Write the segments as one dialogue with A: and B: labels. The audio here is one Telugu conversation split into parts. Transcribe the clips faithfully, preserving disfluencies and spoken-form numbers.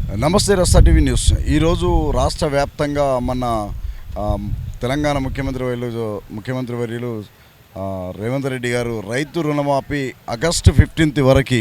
A: నమస్తే రస్తా టీవీ న్యూస్. ఈరోజు రాష్ట్ర వ్యాప్తంగా మన తెలంగాణ ముఖ్యమంత్రి వర్యులు ముఖ్యమంత్రి వర్యులు రేవంత్ రెడ్డి గారు రైతు రుణమాఫీ ఆగస్టు ఫిఫ్టీన్త్ వరకు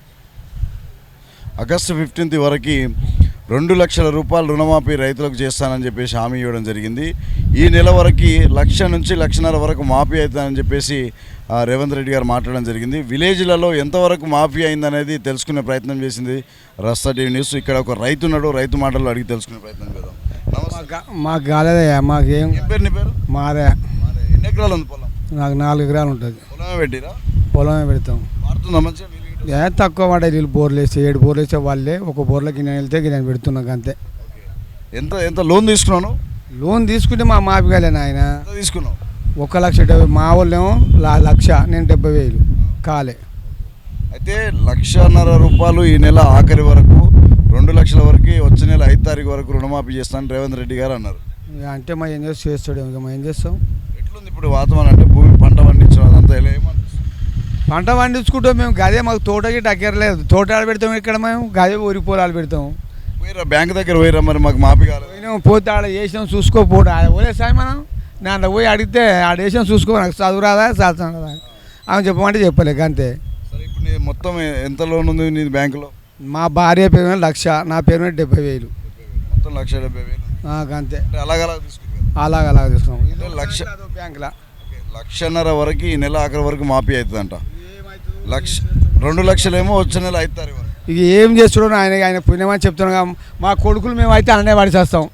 A: ఆగస్టు ఫిఫ్టీన్త్ వరకు రెండు లక్షల రూపాయలు రుణమాఫీ రైతులకు చేస్తానని చెప్పేసి హామీ ఇవ్వడం జరిగింది. ఈ నెల వరకు లక్ష నుంచి లక్షన్నర వరకు మాఫీ అవుతుందని చెప్పేసి రేవంత్ రెడ్డి గారు మాట్లాడడం జరిగింది. విలేజ్లలో ఎంతవరకు మాఫీ అయిందనేది తెలుసుకునే ప్రయత్నం చేసింది రస్తా టీవీ న్యూస్. ఇక్కడ ఒక రైతు ఉన్నాడు, రైతు మాటలు అడిగి తెలుసుకునే ప్రయత్నం చేద్దాం.
B: మాకు కాలేదయ్యా, మాకేం.
A: పేరు నీ పేరు?
B: మాదే.
A: ఎన్ని ఎకరాలు ఉంది పొలం?
B: నాకు నాలుగు ఎకరాలు ఉంటుంది.
A: పొలమే పెట్టిరా?
B: పొలమే పెడతాం.
A: మారుతుందా మంచిగా?
B: ఏ తక్కువ పడే నీళ్ళు బోర్లు వేస్తే ఏడు బోర్లు వేసే వాళ్ళే ఒక బోర్లకి నేను వెళ్తే నేను పెడుతున్నాక అంతే.
A: ఎంత ఎంత లోన్ తీసుకున్నాను?
B: లోన్ తీసుకుంటే మా మాఫీ కాలేను ఆయన.
A: తీసుకున్నావు?
B: ఒక లక్ష డెబ్బై, మా వాళ్ళేమో లక్ష, నేను డెబ్బై వేలు కాలే.
A: అయితే లక్షన్నర రూపాయలు ఈ నెల ఆఖరి వరకు, రెండు లక్షల వరకు వచ్చే నెల ఐదు తారీఖు వరకు రుణమాఫీ చేస్తానని రేవంత్ రెడ్డి గారు అన్నారు.
B: అంటే మా ఏం చేసి చేస్తాడు, ఇంకా మేము ఏం చేస్తాం.
A: ఎట్లుంది ఇప్పుడు వాతావరణం? అంటే భూమి పంట పండించడం అదంతా ఎలా ఏమనిపిస్తుంది?
B: పంట పండించుకుంటాం మేము. గదే మాకు తోటకి టక్కర్లేదు. తోట ఆడ పెడతాం ఇక్కడ మేము, గదే ఊరి పొలాలు పెడతాం.
A: పోయిరా బ్యాంక్ దగ్గర పోయిరా, మరి మాకు మాఫీ కాలేదు.
B: పోయినాం, పోతే ఆడ వేసినాం చూసుకోపోడు. ఆడ పోలేసాయి మనం. నేను పోయి అడిగితే ఆడ వేసినాం చూసుకో, నాకు చదువు రాదా చదువు రాదా ఆమె చెప్పమంటే చెప్పలేక అంతే.
A: సరే, ఇప్పుడు నీ మొత్తం ఎంత లోన్ ఉంది నీ బ్యాంకులో?
B: మా భార్య పేరు మీద లక్ష, నా పేరు మీద డెబ్బై వేలు.
A: మొత్తం లక్ష డెబ్బై వేలు
B: అంతే.
A: అలాగలా తీసుకుంటాం.
B: అలాగ అలాగ తీసుకున్నాం.
A: లక్ష
B: బ్యాంకులో
A: లక్షన్నర వరకు ఈ నెల ఆఖరి వరకు మాఫీ అవుతుందంట. లక్ష రెండు లక్షలేమో వచ్చే నెల ఐదు తారీఖు వరకు.
B: ఇక ఏం చేస్తున్నాడు ఆయన, ఆయన పుణ్యమని చెప్తున్నాం. మా కొడుకులు మేము అయితే అన్నే పడి చేస్తాం.